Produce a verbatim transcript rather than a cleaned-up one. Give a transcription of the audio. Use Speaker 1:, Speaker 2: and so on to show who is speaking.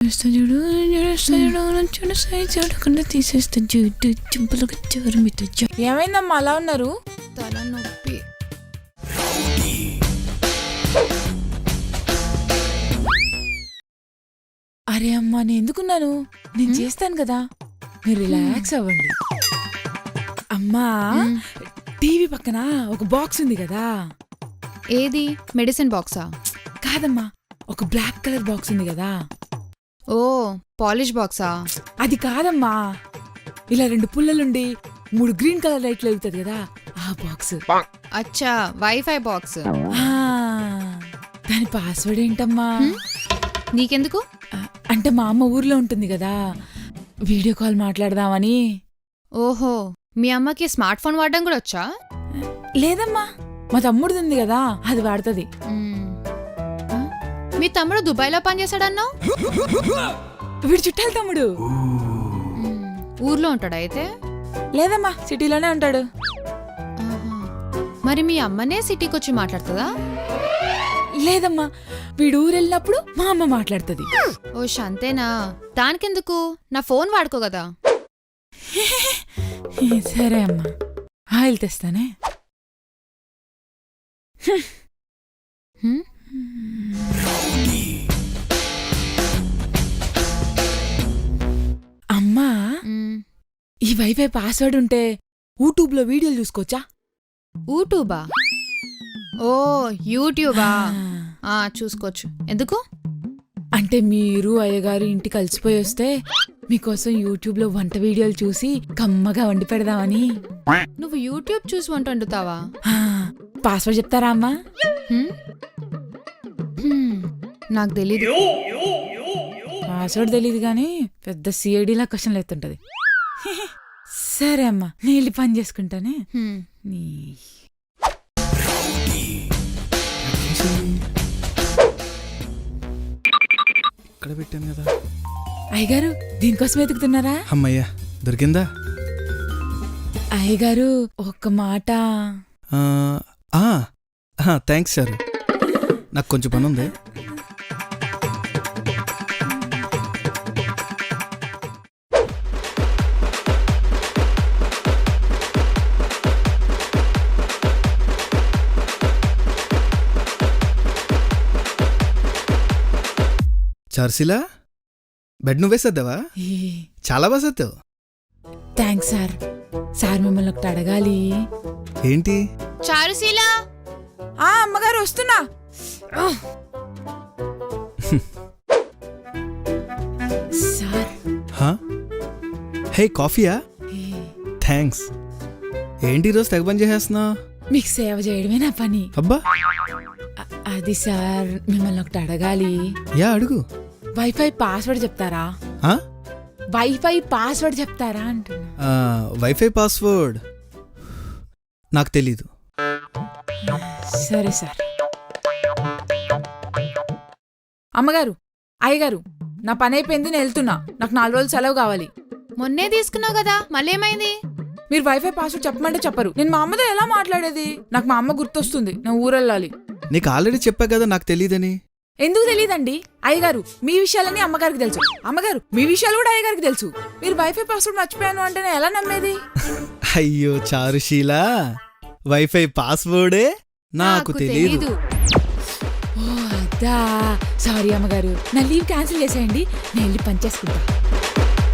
Speaker 1: చూస్తా చూడు చూడస్తా చూడు చూడస్తా చూడకుండా తీసేస్తా చూడు చింపులకు చూరమిట. ఏమైందమ్మా అలా ఉన్నారు?
Speaker 2: తల నొప్పి.
Speaker 1: అరే అమ్మా నేను ఎందుకున్నాను, నేను చేస్తాను కదా, మీరు రిలాక్స్ అవ్వండి. అమ్మా టీవీ పక్కన ఒక బాక్స్ ఉంది కదా.
Speaker 2: ఏది? మెడిసిన్ బాక్సా?
Speaker 1: కాదమ్మా, ఒక బ్లాక్ కలర్ బాక్స్ ఉంది కదా.
Speaker 2: ఓ పాలిష్ బాక్సా?
Speaker 1: అది కాదమ్మా, ఇలా రెండు పుల్లలుండి మూడు గ్రీన్ కలర్ లైట్లు వెళ్తుంది కదా, ఆ బాక్స్.
Speaker 2: అచ్చా, వైఫై బాక్స్.
Speaker 1: దాని పాస్వర్డ్ ఏంటమ్మా?
Speaker 2: నీకెందుకు?
Speaker 1: అంటే మా అమ్మ ఊర్లో ఉంటుంది కదా, వీడియో కాల్ మాట్లాడదామని.
Speaker 2: ఓహో, మీ అమ్మకి స్మార్ట్ ఫోన్ వాడడం కూడా వచ్చా?
Speaker 1: లేదమ్మా, మా తమ్ముడిది ఉంది కదా, అది వాడుతుంది.
Speaker 2: మీ తమ్ముడు దుబాయ్లో పనిచేశాడన్నావు?
Speaker 1: వీడు చుట్టాలి తమ్ముడు.
Speaker 2: ఊర్లో ఉంటాడా అయితే?
Speaker 1: లేదమ్మా, సిటీలోనే ఉంటాడు.
Speaker 2: మరి మీ అమ్మనే సిటీకి వచ్చి మాట్లాడుతుందా?
Speaker 1: లేదమ్మా, వీడు ఊరు వెళ్ళినప్పుడు మా అమ్మ మాట్లాడుతుంది.
Speaker 2: ఓ అంతేనా? దానికెందుకు, నా ఫోన్ వాడుకో కదా.
Speaker 1: సరే అమ్మా, ఆయిల్ తెస్తానే. అమ్మా, ఈ వైఫై పాస్వర్డ్ ఉంటే యూట్యూబ్ లో వీడియోలు చూసుకోవచ్చా?
Speaker 2: యూట్యూబా? ఓ యూట్యూబా, చూసుకోవచ్చు. ఎందుకు?
Speaker 1: అంటే మీరు అయ్యగారు ఇంటి కలిసిపోయి వస్తే మీకోసం యూట్యూబ్ లో వంట వీడియోలు చూసి కమ్మగా వండి పెడదామని.
Speaker 2: నువ్వు యూట్యూబ్ చూసి వంట వండుతావా?
Speaker 1: పాస్వర్డ్ చెప్తారా అమ్మా?
Speaker 2: నాకు తెలీదు.
Speaker 1: పాస్వర్డ్ తెలీదు గాని పెద్ద సిఐడిలా క్వశ్చన్లు ఎత్తుంటది. సరే అమ్మా, నేను పని చేసుకుంటానే.
Speaker 3: ఇక్కడ పెట్టాను కదా.
Speaker 1: అయ్యగారు దీనికోసం వెతుకుతున్నారా?
Speaker 3: అమ్మయ్యా, దొరికిందా?
Speaker 1: అయ్యగారు ఒక్క మాట.
Speaker 3: థ్యాంక్స్ సార్, నాకు కొంచెం పని ఉంది. చార్సిలా, బెడ్ నువ్వే సర్దావా? చాలా బాగా సర్దావు.
Speaker 1: Thanks sir. సార్ మిమ్మల్ని ఒకటి అడగాలి.
Speaker 3: ఏంటి?
Speaker 2: చారుశీలా.
Speaker 1: ఆ అమ్మగారు వస్తున్నా. సార్.
Speaker 3: హే, కాఫీయా? థ్యాంక్స్. ఏంటి ఈరోజు తెగ పని చేసేస్తున్నావు?
Speaker 1: మీకు సేవ చేయడమే నా పని.
Speaker 3: అబ్బా.
Speaker 1: అది సార్, మిమ్మల్ని ఒకటి అడగాలి.
Speaker 3: యా అడుగు.
Speaker 1: వైఫై పాస్వర్డ్ చెప్తారా? వైఫై పాస్వర్డ్ చెప్తారా అంటున్నా.
Speaker 3: వైఫై పాస్వర్డ్ నాకు తెలీదు.
Speaker 1: సరే సార్. అమ్మగారు, అయ్యగారు, నా పని అయిపోయింది, నేను వెళ్తున్నా. నాకు నాలుగు రోజులు సెలవు కావాలి.
Speaker 2: మొన్నే తీసుకున్నావు కదా, మళ్ళీ ఏమైంది?
Speaker 1: మీరు వైఫై పాస్వర్డ్ చెప్పమంటే చెప్పరు. నేను మా అమ్మతో ఎలా మాట్లాడేది? నాకు మా అమ్మ గుర్తొస్తుంది, నేను ఊరెళ్ళాలి.
Speaker 3: నీకు ఆల్రెడీ చెప్పా కదా నాకు తెలీదని.
Speaker 1: ఎందుకు తెలీదండి? అయ్యగారు మీ విషయాలని అమ్మగారికి తెలుసు, అమ్మగారు మీ విషయాలు కూడా అయ్యగారికి తెలుసు. మీరు వైఫై పాస్వర్డ్ మర్చిపోయాను అంటే నేను ఎలా నమ్మేది?
Speaker 3: అయ్యో చారుశీలా, వైఫై పాస్వర్డే నాకు తెలీదు.
Speaker 1: ఓ అదా, సారీ అమ్మగారు, నా లీవ్ క్యాన్సిల్ చేసేయండి, నేను వెళ్ళి పని చేసుకుంటా.